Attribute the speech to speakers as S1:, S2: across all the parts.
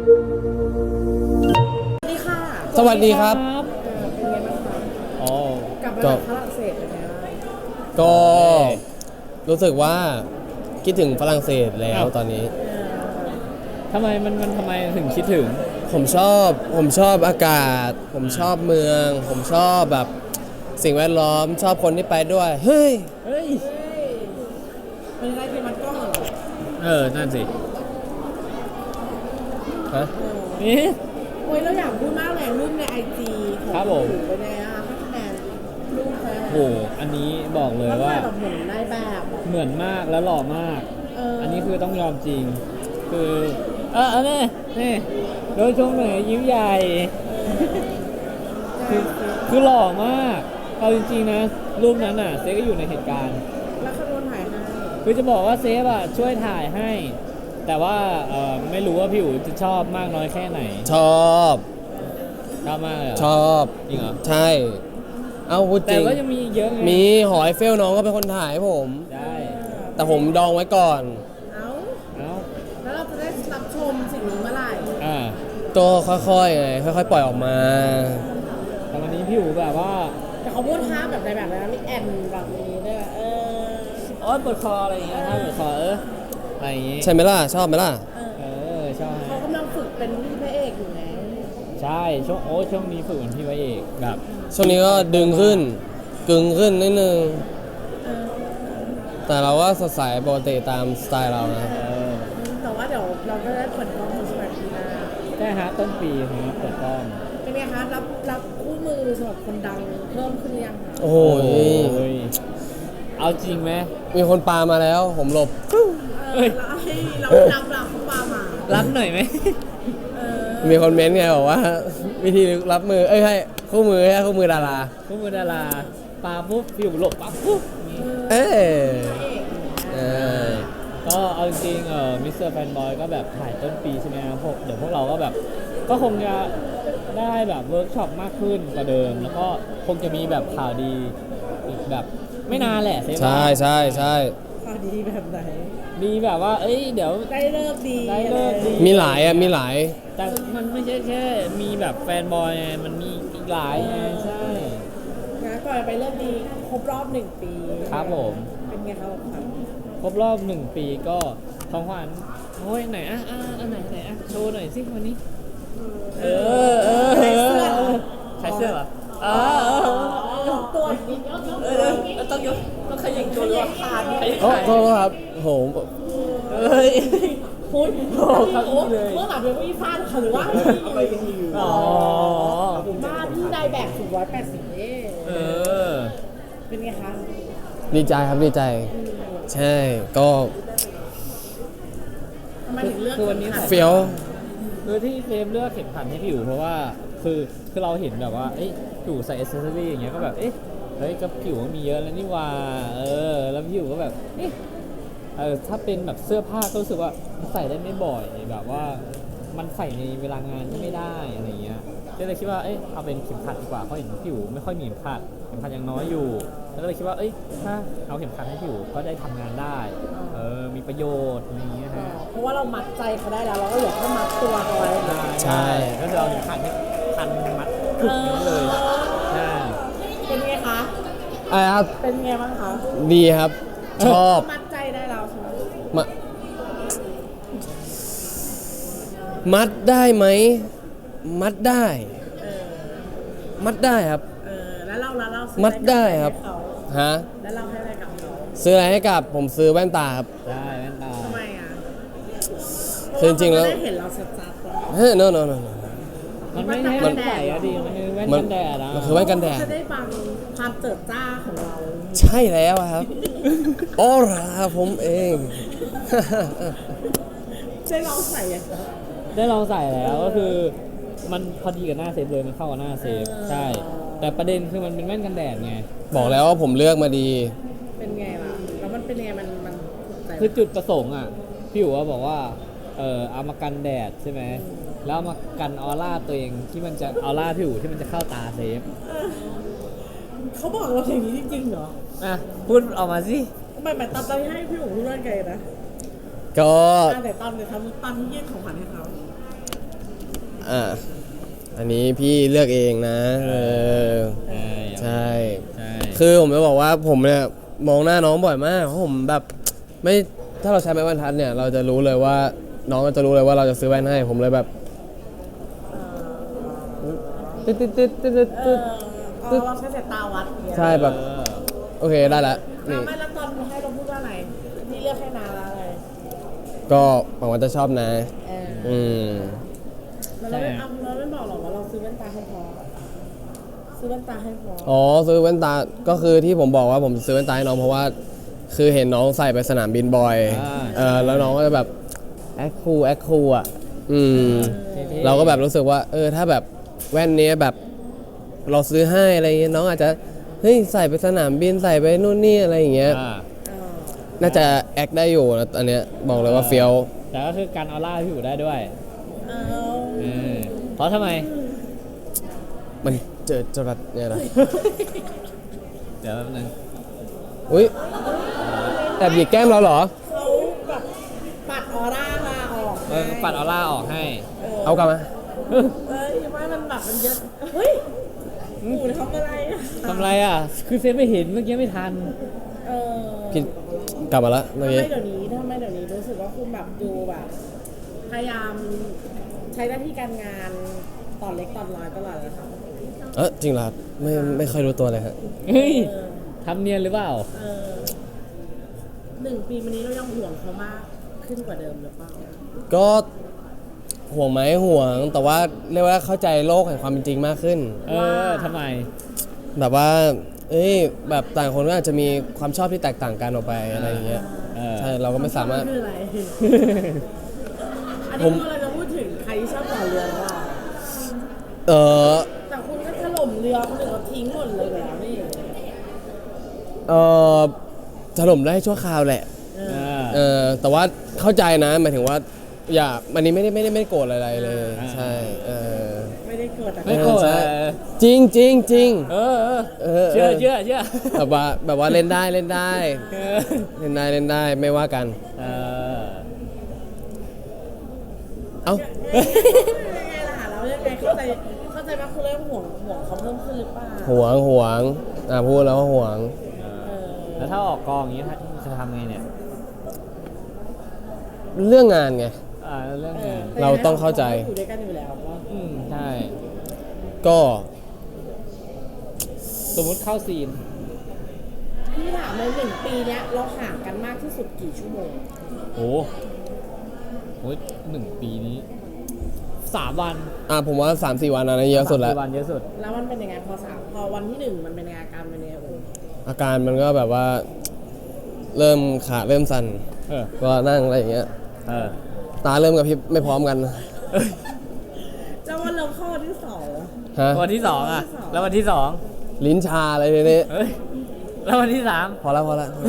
S1: ดีค่ะ
S2: สวัสดีครับ
S1: เป็นไงบ้างคะ
S3: อ๋อก
S1: ลับมาจากฝรั่งเศสเป็นไงบ้าง
S2: ก็รู้สึกว่าคิดถึงฝรั่งเศสแล้วตอนนี้
S3: ทำไมมันทำไมถึงคิดถึง
S2: ผมชอบอากาศ ผมชอบเมือง ผมชอบแบบสิ่งแวดล้อมชอบคนที่ไปด้วย เฮ้ย
S3: เฮ้ย
S1: เป็นไงเป็นมันกล้องเหรอ
S3: นั่นสิ
S2: ฮะ
S3: นี่
S1: โอ้ยเราอยากพูดมากเลยรูปในไอจีของ
S3: ครับผม
S1: หนูเป็นไงอะให้คะแนนรูปเขา
S3: โหอันนี้บอกเลย
S1: มัน
S3: ว่า
S1: แบบเหมือนในแบบ
S3: เหมือนมากแล้วหล่อมาก อันนี้คือต้องยอมจริง คือนี่โดยชมหน่อยยิ้มใหญ่คือหล่อมากเอาจริงๆนะรูปนั้นน่ะเซฟก็อยู่ในเหตุการณ์
S1: แล้วเขาโดนถ่ายให้
S3: คือจะบอกว่าเซฟอ่ะช่วยถ่ายให้ แต่ว่าไม่รู้ว่าพี่อู๋จะชอบมากน้อยแค่ไหน
S2: ชอบ
S3: ชอบมากเลยเหรอ
S2: ชอบ
S3: จริงเหรอ
S2: ใช่ เอาพูดจ
S3: แต่
S2: ริง
S3: ก็ยังมีอีกเยอะไง
S2: มีหอไอเฟลน้องก็เป็นคนถ่ายให้ผม
S3: ได้
S2: แต่ผมดองไว้ก่อน
S1: เอ้า
S3: เอ้า
S1: แล้วเราจะได้รับชมสิ่งนี้เมื่อไหร่
S2: ตัวค่อยๆไงค่อยๆ ปล่อยออกมา
S3: แต่วันนี้พี่อู๋แบบว่า
S1: แต่เขาพูดท่าแบบในแบบนั้นมีแอนแบบนี้ด้วย
S3: โอ๊ยปวดคออะไรอย่างเงี้ยถ้าปวดคออะไรอย่างงี้
S2: ใช่ไหมล่ะ ชอบไหมล่ะ
S3: ใช่
S1: เขากำลังฝึกเป็นพระเอกอยู่ไง
S3: ใช่ช่วงนี้ฝึกเหมือนพี่ไว้เอกแบบ
S2: ช่วงนี้ก็ดึงขึ้น กึ่งขึ้นนิดนึง แต่เราก็สดใสปกติตามสไตล์เรานะ
S1: แต่ว่าเดี๋ยวเราก็ได้เปิดกล้องในสมัยปีหน้า
S3: ได้ฮะต้นปีนะเปิดกล้อง
S1: เป็นไงคะรับคู่มือสำหรับคนดังเพิ่มขึ้นหรือยังคะ
S2: โอ้โห
S3: ยเอาจริงไหม
S2: มีคนปามาแล้ว ผมหลบ
S1: เราให้เรารับเขาปามา
S3: รับหน่อยไหม
S2: มีคนเม้นต์ไงบอกว่า วิธีรับมือ เอ้ยให้คู่มือให้คู่มือดารา
S3: พวกมือดาราปาปุ๊บพี่อู๋หลบปั๊บปุ๊บ
S2: เอ้ยเออ
S3: ก็เอาจริงมิสเตอร์แฟนบอยก็แบบถ่ายต้นปีใช่ไหมครับเดี๋ยวพวกเราก็แบบก็คงจะได้แบบเวิร์กช็อปมากขึ้นกว่าเดิม แล้วก็คงจะมีแบบข่าวดีอีกแบบไม่นานแหละ
S2: ใช่ใช่ใช่
S1: ข่าวดีแบบไหน
S3: มีแบบว่าเดี๋ยว
S1: ได้เลิกดี
S3: ได้เลิกดี
S2: มีหลายอ่ะ มีหลาย
S3: แต่มันไม่ใช่แค่มีแบบแฟนบอยไงมันมีอีกหลายไงใช่
S1: นะก่อนไปเลิกดีครบรอบ1 ปี
S3: ครับผม
S1: เป็นไงครับขวัญ
S3: ครบรอบ1 ปีก็ของขวัญโอ้ยไหนอันไหนโชว์หน่อยสิวันนี้ใช้เสื้อเหรอ
S1: ตัวนี้
S3: ต้องขยิงตัวด้วย
S1: ขาด
S2: โอ้โทษครับโห
S1: พูด
S3: โอ้ครับเลย
S1: เมื่อหลังเป็นพี่ฟาดค่ะหรือว่าอะไรยังอยู่
S3: อ๋อ
S1: บ้านที่ได้แบบสูง180เป็นไงคะ
S2: ดีใจครับดีใจ ใช่ ก็
S1: ทำไมถึงเลือก
S3: คือวันนี้
S2: เฟี้ยว
S3: คือที่เซฟเลือกเข็มขัดให้พี่อยู่เพราะว่าคือเราเห็นแบบว่าพี่อยู่ใส่เอเซอรี่อย่างเงี้ยก็แบบเฮ้ยก็ผิวก็มีเยอะแล้วนี่ว่าแล้วพี่อยู่ก็แบบถ้าเป็นแบบเสื้อผ้าก็รู้สึกว่าใส่ได้ไม่บ่อยแบบว่ามันใส่ในเวลางานก็ไม่ได้อะไรเงี้ยก็เลยคิดว่าเอาเป็นเข็มขัดดีกว่าเพราะเห็นพี่อยู่ไม่ค่อยมีเข็มขัดยังน้อยอยู่แล้วก็เลยคิดว่าถ้าเอาเข็มขัดให้พี่อยู่ก็ได้ทำงานได้มีประโยชน์อะไรเงี้ยฮะ
S1: เพราะว่าเรามัดใจเขาได้แล้วเราก็เหลือแค่มัดตัวเขาไว้
S2: ใช่
S3: ก็คือเอาเข็มขัดให้พันมัดถึงนี้เลยใช่
S1: เป็นไงคะ
S2: อะไรครับ
S1: เป็นไงบ้างคะ
S2: ดีครับ ชอบ
S1: มัดใจได้แล้วใช่ไหม
S2: มามัดได้ไหม มัดได้ มัดได้ครับ
S1: แล้วเราซื้อ
S2: มัดได้ครับ ฮะ
S1: แล้วเราให้อะไรกับเขา
S2: ซื้ออะไรให้กับผมซื้อแว่นตาครับ
S3: ได้แว่นตา
S1: ทำไมอ่ะ
S2: คือจริงๆแล้ว
S1: เพาะาเขาไม่ได้เห็นเราชัดๆเลย
S2: เฮ้ย no no no no
S3: มันไม่ใช่แว่นใส่อะดิมันคือแว่นกันแดดอะ
S2: มันคือแว่นกันแดด
S1: จะได้บังความเจิดจ้าของเรา
S2: ใช่แล้วครับ ออร่าผมเอง
S1: ได้ลองใส่อ่ะ
S3: ได้ลองใส่แล้วก็คือมันพอดีกับหน้าเซฟเลยมันเข้ากับหน้าเซฟใช่ แต่ประเด็นคือมันเป็นแว่นกันแดดไง
S2: บอกแล้วว่าผมเลือกมาดี
S1: เป็นไงล่ะแล้วมันเป็นไงมันถูกใจ
S3: คือจุดประสงค์อ่ะพี่อยู่ว่าบอกว่าเอามากันแดดใช่ไหมแล้วเอามากันออร่าตัวเองที่มันจะออร่าพี่อยู่ที่มันจะเข้าตาเซฟ
S1: เขาบอกเราอย่างนี้จริงๆเหรอ
S3: พูดออกมาสิ
S1: ทำไมตอนที่ให้พี่หมูพูดว่าไงนะ
S2: ก็
S1: แต่ตอนที่ยื่นของขวัญให้เขา
S2: อ่ะอันนี้พี่เลือกเองนะใช่
S3: ใช่
S2: คือผมจะบอกว่าผมเนี่ยมองหน้าน้องบ่อยมากเพราะผมแบบไม่ถ้าเราใช้ไม้บรรทัดเนี่ยเราจะรู้เลยว่าน้องก็จะรู้เลยว่าเราจะซื้อแว่นให้ผมเลยแบบตึ๊ดตึ๊ดตึ๊ดตึ๊ดตึ๊ด
S1: เราใช้สายตาวัดอย่างเงี้ย
S2: ใช่แบบโอเคได้ละนี่
S1: ไม่แล้วตอนให้เราพูดว่าอะไรนี่เลือกให้นาแล้วอะไร
S2: ก็หวังว่าจะชอบนะ อืม
S1: แล้วเราไม่บอกหรอกว่าเราซื้อแว่นตาให้พอซื้อแว่นตาให้พอ
S2: อ๋อซื้อแว่นตาก็คือที่ผมบอกว่าผมซื้อแว่นตาให้น้องเพราะว่าคือเห็นน้องใส่ไปสนามบินบ่อยแล้วน้องก็จะแบบแอคคูลอ่ะเราก็แบบรู้สึกว่าถ้าแบบแว่นนี้แบบเราซื้อให้อะไรเงี้ยน้องอาจจะเฮ้ยใส่ไปสนามบินใส่ไปนู่นนี่อะไรอย่างเงี้ยน่าจะแอคได้อยู่นะอันเนี้ยบอกเลยว่าเฟี้ยว
S3: แต่ก็คือการออร่าพี่อยู่ได้ด้วยเพราะทำไม
S2: มันเจอจรัสเนี่ยนะ
S3: เดี๋ยวแป๊บนึง
S2: อุ้ยแอบหยิกแก้มเราเหรอ
S1: เขาแบบปัดออร่ามาออก
S3: ปัดออร่าออกให้
S2: เอากลับมา
S1: ไม่มันแบบมันเยอะเฮ้ยหนูทำอะไรอะ
S3: ทำไรอ่ะ คือเซฟไม่เห็นเมื่อกี้ไม่ทัน
S2: พี่กลับมาละเมื่อ
S1: ทำ
S2: กี้
S1: ไมเดี๋ยวนี้รู้สึกว่าคุณแบบดูแบบพยายามใช้หน้าที่การงานตอนเล็กตอนน้อยตลอดเลยค่ะ
S2: จริงเหรอครับไม่ค่อยรู้ตัวเลยฮะ
S3: เฮ้ยทำเนียนหรือเปล่า
S1: 1 ปีมานี้เรายังห่วงเขามากขึ้นกว่าเดิมหรือเปล่า
S2: ก็ห่วงไหมห่วงแต่ว่าเรียกว่าเข้าใจโลกแห่งความเป็นจริงมากขึ้น
S3: ทำไม
S2: แบบว่าแบบต่างคนก็อาจจะมีความชอบที่แตกต่างกันออกไปอะไรอย่างเงี้ยใช่เราก็ไม่สามารถ
S1: คืออะไร อัน
S2: ผ
S1: นี้
S2: ม
S1: คือเราจะพูดถึงใครที่ชอบต่อเรือหรือเปล่า
S2: เออ
S1: แต่คุณก็ถล่มเรือคนอื่นเขาทิ้งหมดเลยแล้วนี่
S2: เออถล่มได้ชั่วคราวแหละแต่ว่าเข้าใจนะหมายถึงว่าอย่าอันนี้ไม่ได้โกรธอะไรเลยใช่
S1: ไม่ได้เกิดแต่
S3: ไม่โกรธ
S2: ใช่จริงจริงจริง
S3: เชื่อ
S2: แบบว่าเล่นได้เล่นได้ไม่ว่ากันเอ้า
S1: ยังไงล่ะแล้วยังไงเข้าใจว่าคุณเริ่มห่วงเขาเพิ่มขึ้นหรือเปล่า
S2: ห่วงพูดแล้วว่าห่วง
S3: แล้วถ้าออกกองอย่างนี้จะทำไงเนี่ย
S2: เรื่องงานไง
S3: เรื่องงาน
S2: เราต้องเข้าใจ
S1: อยู่ด้วยกันอยู่แล้วว่า
S3: ใช่
S2: ก็
S3: สมมุติเข้าซีน
S1: พี่ถามเลย1 ปีเนี้ยเราห่างกันมากที่สุดกี่ชั่วโมง
S3: โห1 ปีนี้ 3 วัน
S2: ผมว่า 3-4 วันนะเยอะสุดแล้ว
S3: 3-4 วันเยอะสุด
S1: แล้วมันเป็นยังไงพอวันที่1มันเป็นยังไงอาการเป็นยังไงโอ้
S2: อาการมันก็แบบว่า เริ่มขาเริ่มสั่น ก็นั่งอะไรอย่างเงี้ยตาเริ่มกับพริบไม่พร้อมกัน
S1: แล้ววันเราเข้าวันที่2
S2: ฮะ
S3: วันที่ 2 อ่ะ แล้ววันที่ 2
S2: ลิ้นชาอะไรทีนี้
S3: แล้ววันที่ 3
S2: พอแล้ว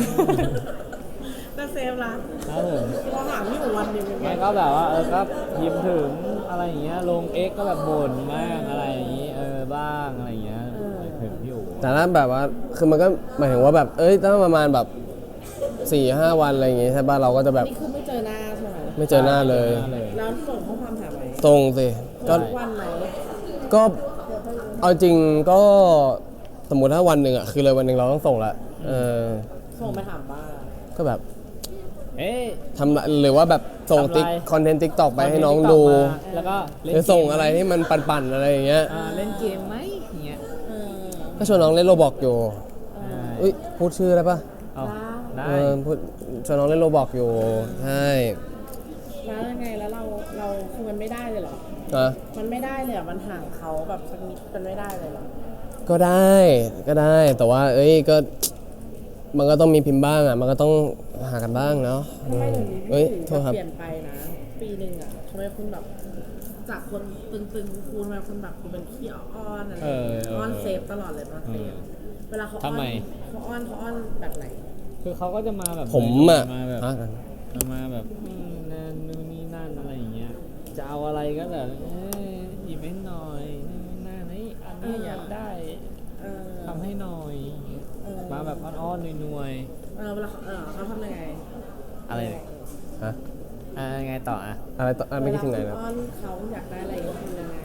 S1: แล้วเซฟละ
S3: ครับผม
S1: เราห่างที่อยู่วันเดียวเป็นไง
S3: มันก็แบบว่าก็พิมพ์ถึงอะไรอย่างเงี้ยลง X ก็แบบบ่นมากอะไรอย่างงี้บ้างอะไรอย่างเงี้ยถึงพี่อู๋
S2: แต่ถ้าแบบว่าคือมันก็หมายถึงว่าแบบถ้าประมาณแบบ 4-5 วันอะไรอย่างงี้ใช่ป่ะเราก็จะแบบ
S1: นี่คือไม่เจอหน้าใช่ไหม
S2: ไม่เจอหน้าเลย
S1: แล้วส่งข้อความถามไหม
S2: ตรงสิก็
S1: ทุกวันไหม
S2: ก็เอาจริงก็สมมุติถ้าวันหนึ่งอ่ะคือเลยวันหนึ่งเราต้องส่งละ
S1: ส่งไปถามบ้าง
S2: ก็แบบ
S3: เอ๊ะ
S2: ทำหรือว่าแบบส่ง
S3: ทำอะไร
S2: ติ๊กคอนเทนต์ติ๊กตอกไปให้น้องดู
S3: แล้วก็เล่น
S2: หรือส่งอะไรที่มันปั่นๆอะไรอย่างเงี้ย
S3: เล่นเกมไหมอย่างเงี้ย
S2: ก็ชวนน้องเล่นโรบอกอยู่อุ้ยพูดชื่อได้ปะ
S3: เอาได้
S2: พูดชวนน้องเล่นโรบอกอยู่ใช่
S1: แล้วยังไงแล้วเราคือมันไม่ได้เลยเหรอ
S2: นะ
S1: มันไม่ได้เลยเหรอมันห่างเขาแบบสักนิดมันไม่ได้เลยเหรอ
S2: ก็ได้แต่ว่าก็มันก็ต้องมีพิมพ์บ้างอ่ะมันก็ต้องหากันบ้างเนาะ
S1: ทำไมเดี๋ยวนี้พี่
S2: โทษครับ
S1: เปลี่ยนไปนะ ปีหนึ่งอ่ะทำไมคุณแบบจากคนตึงๆคูลๆมาคุณแบบคุณเป็นขี้อ้อนอะไรอ้อนเซฟตลอดเลยมาเซฟเวลาเขาอ้อนเขาอ้อนแบบไหน
S3: คือเขาก็จะมาแบบ
S2: ผมอ่ะ
S3: มาแบบ
S2: ฮะ
S3: มาแบบนั่นนู่นนี่นั่นอะไรอย่างเงี้ยจะเอาอะไรก็แบบหยิบให้หน่อยนั่นนี่อันนี้อยากได้ทำให้หน่อยมาแบบอ้อนๆนวย
S1: เวลาเขาทำยังไง
S3: ๆอะไรเนี่ย
S2: ฮะ
S3: ไงต่ออ่ะ
S2: อะไรต่อไม่คิดถึงไหน
S1: เว
S2: นะ
S1: ลาคุณอ้อนเขาอยากได้อะไรเขาทำยังไง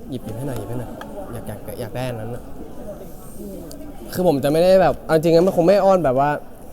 S2: หยิบให้หน่อยอยากได้อันนั้นอะคือผมจะไม่ได้แบบเอาจริงๆมันคงไม่อ้อนแบบว่า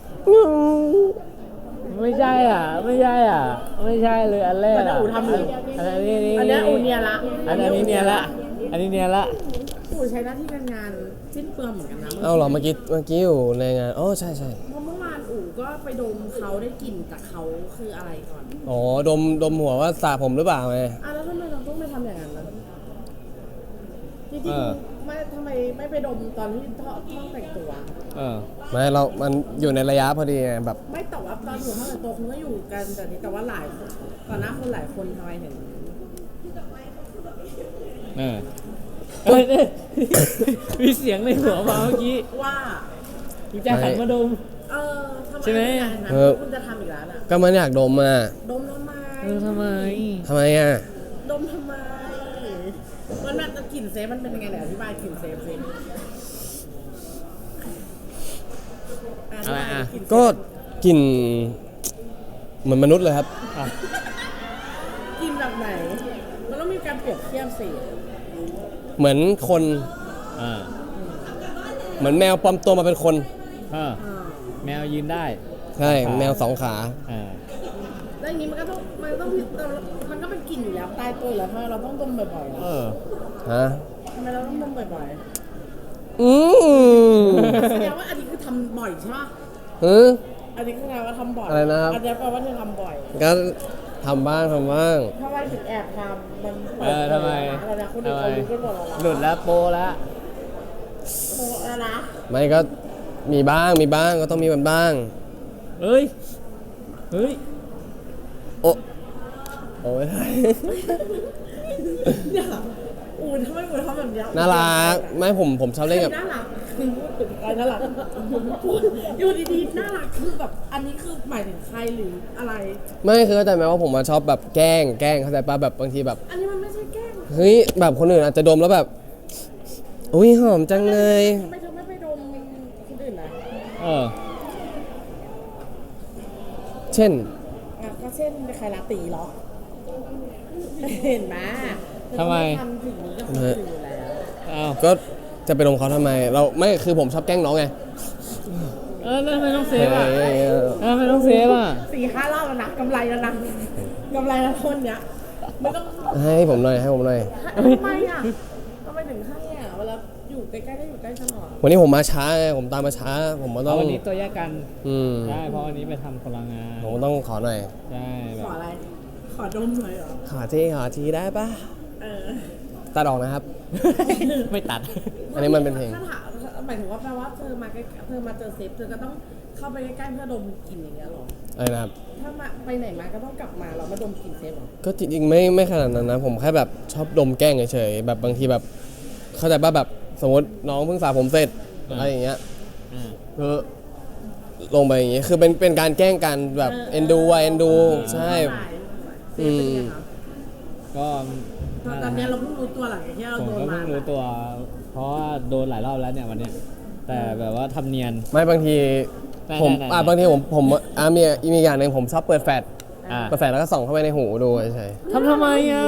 S3: ไม่ใช่อ่ะไม่ใช่เลยอันแรก
S1: มัน
S3: อ่ะ
S1: อูทำอยู่
S3: อันนี้
S1: อันเนี้ยอูเนียละ
S3: อันนี้เนียละอันนี้เนียละ
S1: อูใช้หน้าที่การงานสิ้นเปลืองเหมือนกันนะ
S2: เอาเหรอเมื่อกี้อยู่ในงานอ๋อใช่
S1: เพราะเมื่อวานอูก็ไปดมเขาได้กลิ่นจากเขาคืออะไรก่อน
S2: อ๋อดมหัวว่าสระผมหรือเปล่าไง
S1: แล้วทำไมเราต้องไปทำอย่างนั้นล่ะจริงๆไม่ทำไมไม่ไปดมตอนที่ห้องแต่งตัว
S2: ไม่มันอยู่ในระยะพอดีไงแบบ
S1: ไม่แต่ว่าตอนอยู่ห้องแต่งตัวคุณก็อยู่กันแต่นี้แต่ว่าหลายคนต่อหน้าคนหลายคนทำไมถึง
S3: เฮ้ยมีเสียงในหัวมาเมื่อกี้
S1: ว่า
S3: คุณจะหันมาดม
S1: ทำไม
S3: ใช่ไหม
S1: อย่างนั้นคุณจะทำอีกแล้วน่ะ
S2: ก็มันอยากดมอ่ะ
S1: ดมทำไม
S3: ทำไม
S2: ทำไมอ่ะ
S1: ดมทำไมมันแบบกลิ่นเซฟมันเป็นยังไงเนี่ยอธิบายกลิ่นเซฟสิ
S3: อะไรอ่ะ
S2: ก็กลิ่นเหมือนมนุษย์เลยครับ
S1: กลิ่นแบบไหนมันต้องมีการเปรียบเทียบสิ
S2: เหมือนคนเหมือนแมวปลอมตัวมาเป็นคน
S3: แมวยืนได้
S2: ใช่แมวสองขา
S1: แล้วอย่างนี้มันก็ต้องมันก็เป็นกลิ่นอยู่แล้วตายตัวอยู่แล้วทำไมเราต้องดมบ่อยๆล่ะ
S2: ฮะ
S1: ทำไมเราต้องดมบ่อย
S2: อืม
S1: ๆแสดงว่าอันนี้คือทำบ่อยใช่ปะ อันนี้คือแปลว่าทำบ่อย
S2: อะไรนะครับ
S1: อันนี้แปลว่าเธอทำบ่อย
S2: ก็ทำบ้าง
S1: ทำไมถึงแอบทำมัน
S3: ทำไม
S1: อะไรนะคนอื่นเขารู้กันหมดแล้ว
S3: หลุดแล้วโปแล้ว
S1: โอ้แล้วนะ
S2: ไม่ก็มีบ้างก็ต้องมีมันบ้าง
S3: เฮ้ย
S2: โอ้ย
S1: อย่าทำไมอูทำแบบนี้
S2: น่ารักไม่ผมชอบเล่นกับ
S1: น่ารักคือพูดถึงใครน่ารักอยู่ดีๆน่ารักคือแบบอันนี้คือหมายถึงใครหรืออะไร
S2: ไม่คือเข้าใจไหมว่าผมมาชอบแบบแกล้งเข้าใจป่ะแบบบางทีแบบ
S1: อันนี้มันไม่ใช่แกล้ง
S2: เฮ้ยแบบคนอื่นอาจจะดมแล้วแบบอุ้ยหอมจังเลย
S1: ทำไมเธอไม่ไปดมคนอื่นนะ
S2: เช่น
S1: ก็เช่นใครลาตีเหรอเห็นไหม
S3: ทำไม
S1: ทำถึงนี้กับคนอื่นอยู่แล้ว
S2: ก็จะไปดมเขาทำไมเราไม่คือผมชอบแกล้งน้องไง
S3: แล้วทำไมต้องเซฟอ่ะ
S2: เฮ้ย
S3: ทำไมต้องเซฟอ่ะ
S1: 4-5 รอบแล้วนะกำไรแล้วนะกำไรแล้วคนเนี้ยไม่ต้อง
S2: ให้ผมหน่อย
S1: ทำไมอ่ะทำไมถึงให้อ่ะเวลาอยู่ใกล้ๆก็อยู่ใกล้ตลอด
S2: วันนี้ผมมาช้าไงผมตามมาช้าผมก็ต้อง
S3: วันนี้ตัวแยกกัน
S2: ใช่
S3: ใช่เพราะวันนี้ไปทำพลังงาน
S2: ผมก็ต้องขอหน่อย
S3: ใช่แบ
S1: ข
S3: บ
S1: ออะไร ขอดมหน่อยเหรอ
S2: ขอทีได้ปะ
S1: เออ
S2: ตัดออกนะครับ
S3: ไม่ตัด
S2: อันนี้มันเป็นเพลง
S1: ถ้าถามหมายถึงว่าแปลว่าเธอมาใกล้เธอมาเจอเซฟเธอก็ต้องเข้าไปใกล้ๆเพื่อดมกลิ่นอย่างเงี้ยเหรอ
S2: อะไรนะครับ
S1: ถ้ามาไปไหนมาก็ต้องกลับมาเรามาดมกลิ่นเซฟเหรอ
S2: ก็จริงๆไม่ขนาดนั้นนะผมแค่แบบชอบดมแกล้งเฉยๆแบบบางทีแบบเข้าใจป่ะแบบสมมติน้องเพิ่งสระผมเสร็จอะไรอย่างเงี้ยคือลงไปอย่างงี้คือเป็นการแกล้งกันแบบเอ็นดูใช่
S1: เซฟเป็นไงคะ
S3: ก็
S1: ตอนนี้เราเพิ่งรู้ตัวหลังจากที่เรา
S3: ผม
S1: โดน
S3: ก็
S1: มา
S3: เพิ่งรู้ตัว เพราะว่าโดนหลายรอบแล้วเนี่ยวันเนี้ยแต่แบบว่าทำเนียน
S2: ไม่บางที
S3: ได้
S2: ผม
S3: ได้
S2: บางทีผมมีอย่างหนึ่งผมชอบเปิดแฟลช
S3: อ่า
S2: เปิดแฟลชแล้วก็ส่องเข้าไปในหูดูเฉย
S3: ทำไมอ่ะ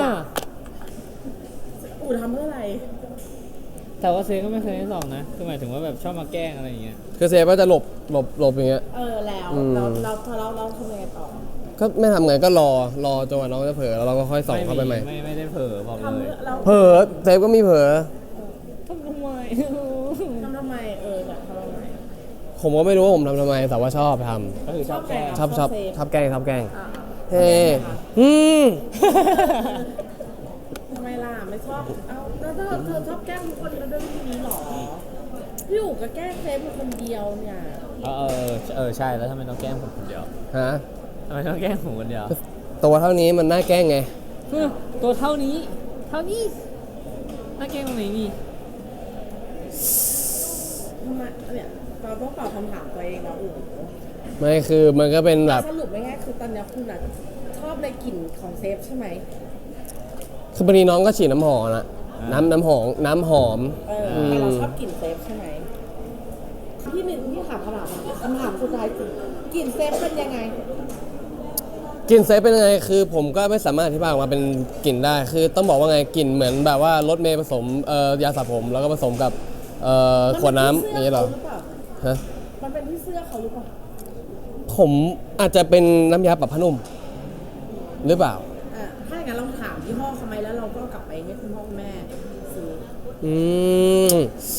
S1: อู๋ทำเพื่ออะไร
S3: แต่ว่าเซฟก็ไม่เคยให้ส่องนะคือหมายถึงว่าแบบชอบมาแกล้งอะไรอย่างเงี้ย
S2: คือเซฟก็จะหลบอย่างเงี้ย
S1: แล้ว
S2: อืม
S1: เราทำยังไงต่อ
S2: ก็ไม่ทำไงก็รอจนกว่าน้องจะเผลอแล้วเราก็ค่อยส่องเข้าไปใหม่
S3: ไม่ได้เผลอบอกเล
S1: ทำ
S3: ย
S1: เพื่อเรา
S2: เผลอเซฟก็มีเผลอ
S3: ทำทำไม
S1: ทำทำไมแบบทำทำไม
S2: ผมก็ไม่รู้ว่าผมทำไมแต่ว่าชอบท
S3: ก็คือชอบแกล้ง
S2: ำชอบแกล้ง
S1: อ่า
S2: เฮ้ม
S1: ทำไมล่ะไม่ชอบเอาแล้วเธอชอบแกล้งทุกคนแล้วด้วยวิธีนี้หรอพี่อู๋ก็แกล้งเซฟเป็นคนเดียวเนี่ย
S3: ใช่แล้วทำไมต้องแกล้งผมคนเดียว
S2: ฮะ
S3: ทำไมต้องแกล้งผมคนเดียว
S2: ตัวเท่านี้มันน่าแกล้งไง
S3: ตัวเท่านี้น่าแกล้งตรงไหนนี่
S1: ทำไมเนี่ยเราต้องตอบคำถามตัวเองนะอู๋
S2: ไม่คือมันก็เป็นแบบ
S1: สรุปง่ายๆคือตอนนี้คุณชอบในกลิ่นของเซฟใช่ไหม
S2: คือบางทีน้องก็ฉีดน้ำหอมนะน้ำหอม
S1: แต่เราชอบกลิ่นเซฟใช่ไหมที่หนึ่งที่ถามคำถามสุดท้ายคือกลิ่นเซฟเป็นยังไง
S2: กลิ่นเซฟเป็นยังไงคือผมก็ไม่สามารถอธิบายออกมาเป็นกลิ่นได้ คือต้องบอกว่าไงกลิ่นเหมือนแบบว่ารถเมย์ผสมยาสระผมแล้วก็ผสมกับขวดน้ำอย่างนี้เหรอฮะ
S1: มันเป็นที่เสื้อเขาหรือเปล่า
S2: ผมอาจจะเป็นน้ำยาปรับผ้านุ่มหรือเปล่า
S1: ถ้าอย่างนั้นเราถามยี่ห้อเขาไหมแล้วเราก็กลับไปให้คุณพ่อคุณแม่ซื้อ
S2: อืม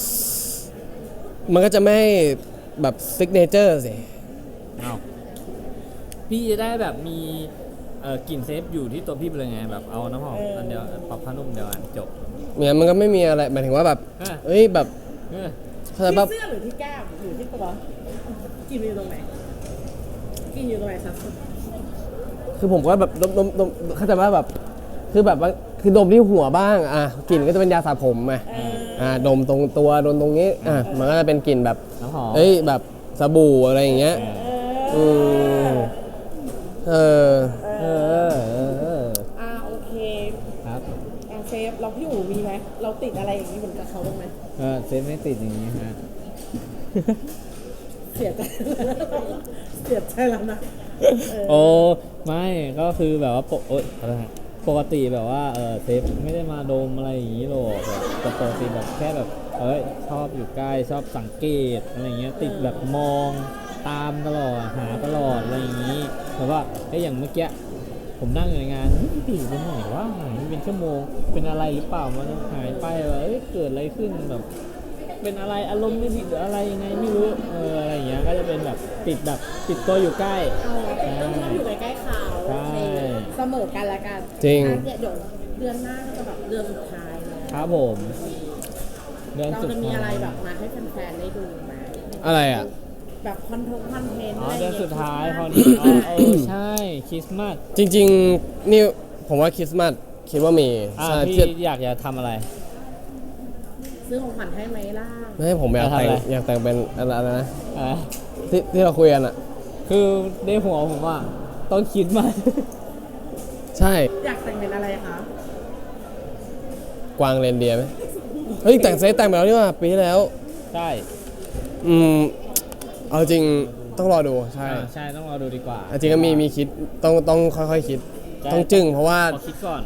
S2: มันก็จะไม่แบบซิกเนเจอร์สิ
S3: อ้าวพี่จะได้แบบมีกลิ่นเซฟอยู่ที่ตัวพี่ไปเลยไงแบบเอาน้ำหอมอันเดียวปรับผ้านุ่มเดียวกันจบ
S2: เนี่ยมันก็ไม่มีอะไรหมายถึงว่าแบบ
S3: อ่ะ
S2: เอ้ยแบบ
S3: เออ
S2: เข้าใจ
S1: ที่
S2: ปะ
S1: เสื้อหรือที่แก้มหรือที่ตัวกินอยู่ตรงไหนกินอยู่ตรงไหนสัก
S2: คือผมก็แบบดมเข้าใจว่าแบบคือแบบว่าคือดมที่หัวบ้างกลิ่นก็จะเป็นยาสระผมไงดมตรงตัวดมตรงนี้มันก็จะเป็นกลิ่นแบบ
S3: น้ำหอม
S2: เอ้ยแบบสบู่อะไรอย่างเงี้ยอืมเออ
S1: โอเค
S3: ครับ
S1: เซฟเราพี่อู๋มีไหมเราติดอะไรอย่างนี้เหมือนกับเขาบ้างไหม
S3: เซฟไม่ติดอย่างนี้ฮะ
S1: เสียใจเสียใจแล้วนะ
S3: โอ้ไม่ก็คือแบบว่าอะไรฮะปกติแบบว่าเซฟไม่ได้มาดมอะไรอย่างนี้หรอกแบบแต่ปกติแบบแค่แบบชอบอยู่ใกล้ชอบสังเกตอะไรอย่างเงี้ยติดแบบมองตามตลอดหาตลอดอะไรอย่างนี้แบบว่าอย่างเมื่อกี้ผมนั่งอยู่ในงานพี่อยู่ตรงไหนวะหายไปเป็นชั่วโมงเป็นอะไรหรือเปล่ามันหายไปแบบเกิดอะไรขึ้นแบบเป็นอะไรอารมณ์ไม่ดีหรืออะไรยังไงไม่รู้อะไรอย่างเงี้ยก็จะเป็นแบบติดตัวอยู่ใกล้
S1: ต้องอยู่ใกล้ๆเขา
S3: ใช่
S1: เสมอกันละกัน
S2: จริง
S1: เดี๋ยวเดือนหน้าก็จะแบบเดือนสุดท้ายแล้ว
S3: ครับผมเดือน
S1: เรา
S3: สุด
S1: จะมี
S3: ท้าย
S1: อะไรแบบมาให้แฟนๆได้ดูไหม
S2: อะไรอ่ะ
S1: แบบคอนเทนต์
S3: เดือนสุดท้ายพอดีใช่คริสต์มาส
S2: จริงๆนี่ผมว่าคริสต์มาสคิดว่ามีใช่
S3: พี่
S2: ที่
S3: อยากจะทำอะไร
S1: ซื้อของขวัญให้ไหมล่ะ
S2: ไม่ให้ผมอยากแต่ง
S3: จะทำอะไร
S2: อยากแต่งเป็นอะไรนะ
S3: อ่ะ
S2: ที่เราคุยกันอ่ะ
S3: คือในหัวผมว่าต้องคิดมา
S2: ใช่
S1: อยากแต่งเป็นอะไรคะ
S2: กวางเรนเดียร์ไหมเฮ้ยแต่งเซตแต่งไปแล้วนี่หว่าปีที่แล้ว
S3: ใช่
S2: อืมเอาจริงต้องรอดูใช่
S3: ใช่ต้องรอดูดีกว่า
S2: เอาจริงก็มีคิดต้องค่อยๆคิด
S3: ใช่
S2: ต้องจึ้งเพราะว่า
S3: ขอคิดก่อน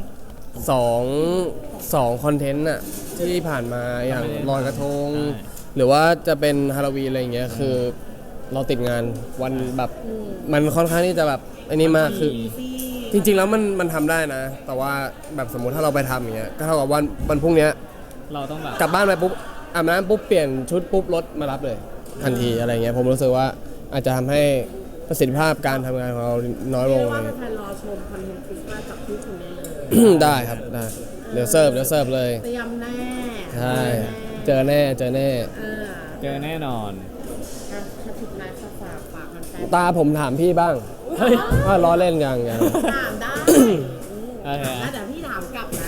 S2: 2คอนเทนต์อะที่ผ่านมาอย่าง
S3: ไม่ได้
S2: ลอยกระทง
S3: ใช่
S2: หรือว่าจะเป็นฮาโลวีนอะไรอย่างเงี้ยคือเราติดงานวันแบบมันค่อนข้างที่จะแบบอันนี้มากคือ จริงๆแล้วมันทำได้นะ แต่ว่าแบบสมมุติถ้าเราไปทำอย่างเงี้ยก็เท่ากับวันพรุ่งเนี้ย
S3: เราต้องแบบ
S2: กลับบ้านไปปุ๊บอาบน้ำปุ๊บเปลี่ยนชุดปุ๊บรถมารับเลยทันทีอะไรเงี้ยผมรู้สึกว่าอาจจะทำให้ประสิทธิภาพการทำงานของเราน้อยล
S1: เรีย
S2: ง
S1: ก
S2: เล
S1: ว่าย แฟนๆรอชมคอนเทนต์คริสต์มาสจากพี่คุณได้เลย
S2: ได้ครับได้เดี๋ยวเสิร์ฟเลย
S1: เตรียมแน่
S2: ใช่เจอแน่
S1: เออ
S3: เจอแน่นอน
S1: ถ้าสุดท้ายฝากแฟน
S2: ตาผมถามพี่บ้าง
S3: เฮ้ย
S2: ว่าล้อเล่นยัง
S1: ถามได้
S3: โอเค
S1: แล้วเดี๋ยวพี่ถามกลับนะ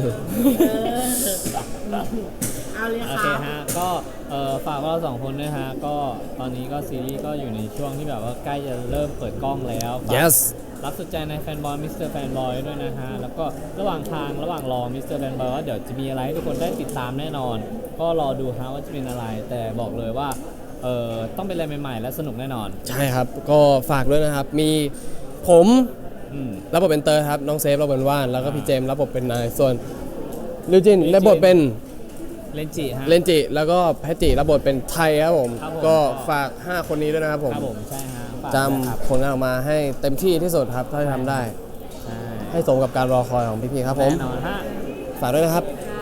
S1: เอาเลย
S3: โอ
S1: ค
S3: เค
S1: รับ
S3: ฮะก็ฝากพวกเราสองคนด้วยฮะก็ตอนนี้ก็ซีรีส์ก็อยู่ในช่วงที่แบบว่าใกล้จะเริ่มเปิดกล้องแล้วฝาก
S2: yes
S3: รับสุดใจในแฟนบอยมิสเตอร์แฟนบอยด้วยนะฮะแล้วก็ระหว่างรอมิสเตอร์แฟนบอยว่าเดี๋ยวจะมีอะไรให้ทุกคนได้ติดตามแน่นอน ก็รอดูฮะว่าจะเป็นอะไร แต่บอกเลยว่าต้องเป็นอะไรใหม่ๆและสนุกแน่นอน
S2: ใช่ครับก็ฝากด้วยนะครับ มีผม
S3: อืม
S2: รับบทเป็นเตอร์ครับน้องเซฟรับบทเป็นว่านแล้วก็พี่เจมส์รับบทเป็นนายส่วนลิวจินได้บทเป็น
S3: เลนจิฮะ
S2: เลนจิแล้วก็แพทจิรับบทเป็นไทยครับผม
S3: ครับผม
S2: ก็ฝาก 5 คนนี้ด้วยนะครับผม
S3: ครับผมใช่ฮะฝาก
S2: จ
S3: ด้วยครับ
S2: ำผลงานออกมาให้เต็มที่ที่สุดครับเท่าที่ทำได้
S3: ใช่
S2: ให้สมกับการรอคอยของพี่ๆครับผม
S3: แน่นอนฮะ
S2: ฝากด้วยนะครับ
S1: ค่ะ